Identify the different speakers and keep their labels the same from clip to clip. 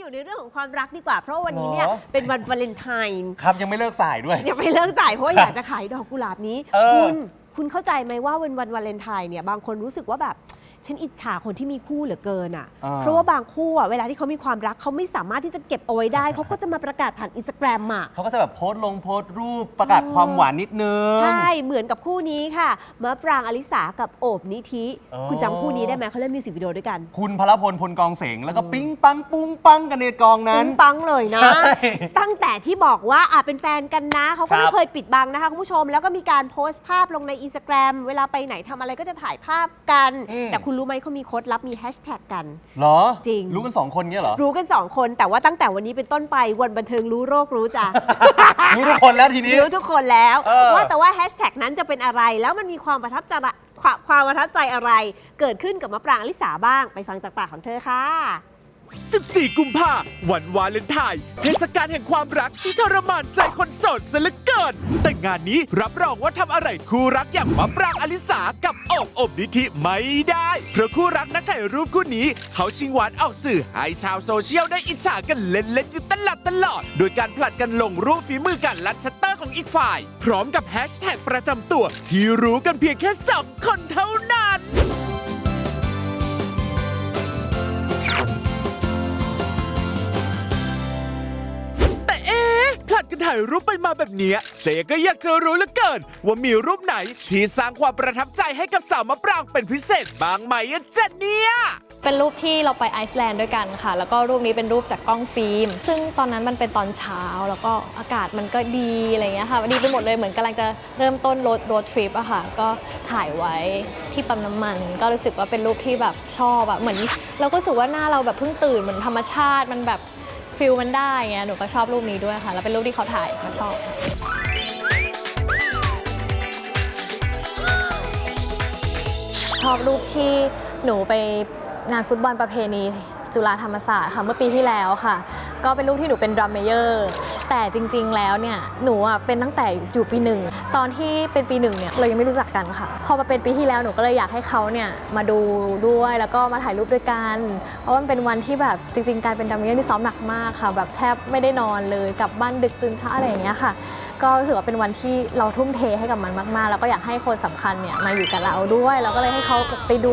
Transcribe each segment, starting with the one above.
Speaker 1: อยู่ในเรื่องของความรักดีกว่าเพราะวันนี้เนี่ยเป็นวันวาเลนไทน์
Speaker 2: ครับยังไม่เลิกสายด้วย
Speaker 1: ยังไม่เลิกสายเพราะอยากจะขายดอกกุหลาบนี้คุณเข้าใจไหมว่าวันวาเลนไทน์เนี่ยบางคนรู้สึกว่าแบบฉันอิจฉาคนที่มีคู่เหลือเกินอ่ะเพราะว่าบางคู่อ่ะเวลาที่เขามีความรักเขาไม่สามารถที่จะเก็บเอาไว้ได้เขาก็จะมาประกาศผ่านอินสตาแกรมอ่ะ
Speaker 2: เขาก็จะแบบโพสต์รูปประกาศความหวานนิดนึง
Speaker 1: ใช่เหมือนกับคู่นี้ค่ะมะปรางอลิสากับโอบนิธิคุณจำคู่นี้ได้ไหมเขาเล่นมิวสิกวิดีโอด้วยกัน
Speaker 2: คุณพลพลพลกองเสงแล้วก็ปิ๊งปังปุ้งปังกันในกองนั้น
Speaker 1: ปิ๊งปังเลยนะตั้งแต่ที่บอกว่าเป็นแฟนกันนะเขาก็ไม่เคยปิดบังนะคะคุณผู้ชมแล้วก็มีการโพสต์ภาพลงในอินสตาแกรมเวลาไปไหนทำอะไรก็จะถ่ายภาพกันแต่คุณรู้ไหมเขามีโค้ดลับมีแฮชแท็กกัน
Speaker 2: เหรอ
Speaker 1: จริง
Speaker 2: รู้กัน2คนเงี้ยเหรอ
Speaker 1: รู้กัน2คนแต่ว่าตั้งแต่วันนี้เป็นต้นไปวันบันเทิงรู้โรครู้จ้ะ
Speaker 2: รู้ทุกคนแล้วทีนี้
Speaker 1: รู้ทุกคนแล้วว่าแต่ว่าแฮชแท็กนั้นจะเป็นอะไรแล้วมันมีความประทับใจอะไรเกิดขึ้นกับมะปรางอลิสาบ้างไปฟังจากปากของเธอค่ะ
Speaker 3: 14 กุมภาวันวาเลนไทน์เทศกาลแห่งความรักที่ทรมานใจคนโสดซะเหลือเกินแต่งานนี้รับรองว่าทำอะไรคู่รักอย่างมะปรางอลิสากับอบนิธิไม่ได้เพราะคู่รักนักถ่ายรูปคู่นี้เขาชิงหวานออกสื่อให้ชาวโซเชียลได้อิจฉากันเล่นๆอยู่ตลอดโดยการผลัดกันลงรูปฝีมือกันลัดชัตเตอร์ของอีกฝ่ายพร้อมกับแฮชแท็กประจำตัวที่รู้กันเพียงแค่2 คนเท่านั้นผลัดกันถ่ายรูปไปมาแบบนี้เจ๊ก็อยากจะรู้เหลือเกินว่ามีรูปไหนที่สร้างความประทับใจให้กับสาวมะปรางเป็นพิเศษบ้างไหมจ๊ะเนี่ย
Speaker 4: เป็นรูปที่เราไปไอซ์แลนด์ด้วยกันค่ะแล้วก็รูปนี้เป็นรูปจากกล้องฟิล์มซึ่งตอนนั้นมันเป็นตอนเช้าแล้วก็อากาศมันก็ดีอะไรเงี้ยค่ะดีไปหมดเลยเหมือนกำลังจะเริ่มต้นโรดทริปอะค่ะก็ถ่ายไว้ที่ปั๊มน้ำมันก็รู้สึกว่าเป็นรูปที่แบบชอบอะเหมือนเราก็รู้สึกว่าหน้าเราแบบเพิ่งตื่นเหมือนธรรมชาติมันแบบฟิลมันได้ไงหนูก็ชอบรูปนี้ด้วยค่ะแล้วเป็นรูปที่เขาถ่ายก็ชอบรูปที่หนูไปงานฟุตบอลประเพณีจุฬาธรรมศาสตร์ค่ะเมื่อปีที่แล้วค่ะก็เป็นรูปที่หนูเป็นดรัมเมเยอร์แต่จริงๆแล้วเนี่ยหนูเป็นตั้งแต่อยู่ปี 1ตอนที่เป็นปี 1เนี่ยเรายังไม่รู้จักกันค่ะพอมาเป็นปีที่แล้วหนูก็เลยอยากให้เขาเนี่ยมาดูด้วยแล้วก็มาถ่ายรูปด้วยกันเพราะว่ามันเป็นวันที่แบบจริงๆการเป็นดรัมเมเยอร์ที่ซ้อมหนักมากค่ะแบบแทบไม่ได้นอนเลยกลับบ้านดึกตื่นเช้าอะไรอย่างเงี้ยค่ะก็ถือว่าเป็นวันที่เราทุ่มเทให้กับมันมากๆแล้วก็อยากให้คนสำคัญเนี่ยมาอยู่กับเราด้วยแล้วก็เลยให้เขาไปดู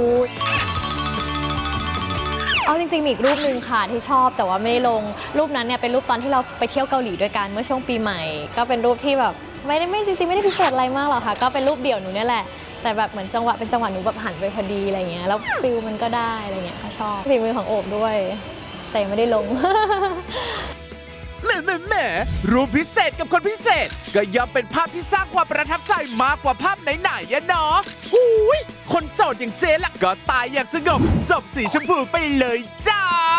Speaker 4: เอาจริงๆมีอีกรูปหนึ่งค่ะที่ชอบแต่ว่าไม่ได้ลงรูปนั้นเนี่ยเป็นรูปตอนที่เราไปเที่ยวเกาหลีด้วยกันเมื่อช่วงปีใหม่ก็เป็นรูปที่แบบไม่จริงๆไม่ได้พิเศษอะไรมากหรอกค่ะก็เป็นรูปเดี่ยวหนูเนี่ยแหละแต่แบบเหมือนจังหวะหนูแบบหันไปพอดีอะไรเงี้ยแล้วฟิลมันก็ได้อะไรเงี้ยค่ะชอบฝีมือของโอบด้วยแต่ไม่ได้ลง
Speaker 3: แหมรูปพิเศษกับคนพิเศษก็ย่อมเป็นภาพที่สร้างความประทับใจมากกว่าภาพไหนๆอะเนาะหูยคนโสดอย่างเจ๊ละก็ตายอย่างสงบศพสีชมพูไปเลยจ้า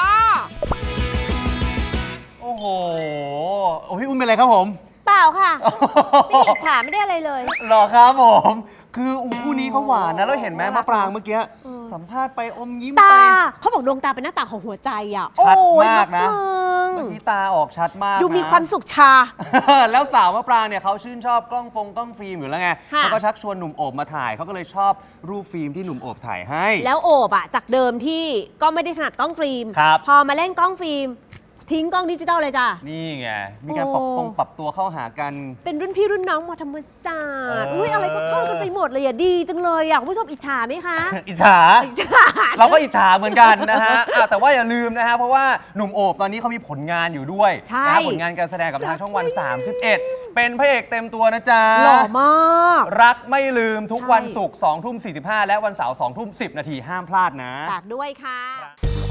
Speaker 2: โอ้โหพี่อุ้มเป็นไรครับผม
Speaker 1: เปล่าค่ะไม่อิจฉาไม่ได้อะไรเลย
Speaker 2: หรอครับผมคือคู่นี้เขาหวานนะแล้วเห็นไหมมะปรางเมื่อกี้สัมภาษณ์ไปอมยิ้มไป
Speaker 1: เขาบอกดวงตาเป็นหน้าต่างของหัวใจอ่ะ
Speaker 2: ชัดมากนะเมื่อกี้ตาออกชัดมาก
Speaker 1: ดูมีความสุขชา
Speaker 2: แล้วสาวมะปรางเนี่ยเขาชื่นชอบกล้องฟิล์มอยู่แล้วไงเขาก็ชักชวนหนุ่มโอบมาถ่ายเขาก็เลยชอบรูปฟิล์มที่หนุ่มโอบถ่ายให้
Speaker 1: แล้วโอบจากเดิมที่ก็ไม่ได้ถนัดกล้องฟิล์มพอมาเล่นกล้องฟิล์มทิ้งกล้องดิจิตอลเลยจ้ะ
Speaker 2: นี่ไงมีการปรับตัวเข้าหากัน
Speaker 1: เป็นรุ่นพี่รุ่นน้องมาธรรมศาสตร์อุ้ยอะไรก็เข้ากันไปหมดเลยอ่ะดีจังเลยอ่ะคุณผู้ชมอิจฉาไหมคะ
Speaker 2: อิจฉาเราก็อิจฉาเหมือนกันนะฮะแต่ว่าอย่าลืมนะฮะเพราะว่าหนุ่มโอบตอนนี้เขามีผลงานอยู่ด้วยนะผลงานการแสดงกับทางช่องวัน 31เป็นพระเอกเต็มตัวนะจ๊ะ
Speaker 1: หล่อมาก
Speaker 2: รักไม่ลืมทุกวันศุกร์ 20:45 และวันเสาร์ 20:10 ห้ามพลาดนะ
Speaker 1: ฝากด้วยค่ะ